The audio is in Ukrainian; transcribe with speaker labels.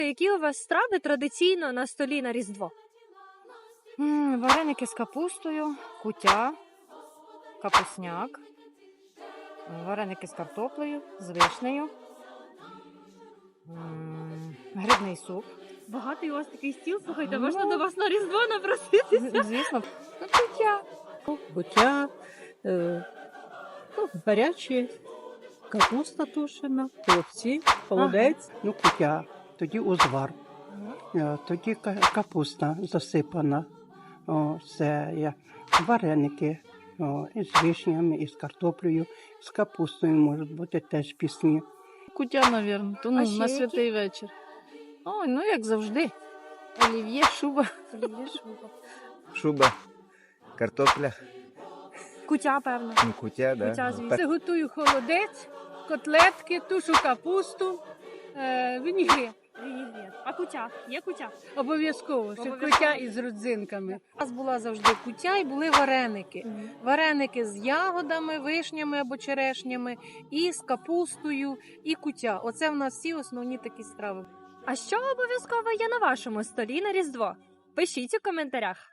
Speaker 1: Які у вас страви традиційно на столі на Різдво?
Speaker 2: Вареники з капустою, куття, капусняк, вареники з картоплею, з вишнею, грибний суп.
Speaker 1: Багатий у вас такий стіл, слухайте,
Speaker 2: Ну.
Speaker 1: можна до вас на Різдво напроситися?
Speaker 2: Звісно, куття.
Speaker 3: Куття, гарячі, капуста тушена, хлопці, холодець.
Speaker 4: Ну, куття, тоді узвар, тоді капуста засипана, вареники із вишнями, із картоплею, з капустою можуть бути теж пісні.
Speaker 3: Куття, мабуть,
Speaker 1: А ще
Speaker 3: на
Speaker 1: які?
Speaker 3: святий вечір. Ой, ну як завжди. Олів'є, шуба.
Speaker 5: Шуба, картопля,
Speaker 1: Куття, певно.
Speaker 5: ну, куття, да.
Speaker 1: Куття, звісно.
Speaker 5: Так,
Speaker 6: Це готую холодець, котлетки, тушу капусту, вінігрет.
Speaker 1: Вінігрет. А куття? Є куття?
Speaker 6: Обов'язково, ще
Speaker 1: Обов'язково.
Speaker 6: куття із родзинками.
Speaker 2: У нас була завжди куття і були вареники. Вареники з ягодами, вишнями або черешнями, і з капустою, і куття. Оце в нас всі основні такі страви.
Speaker 1: А що обов'язково є на вашому столі на Різдво? Пишіть у коментарях.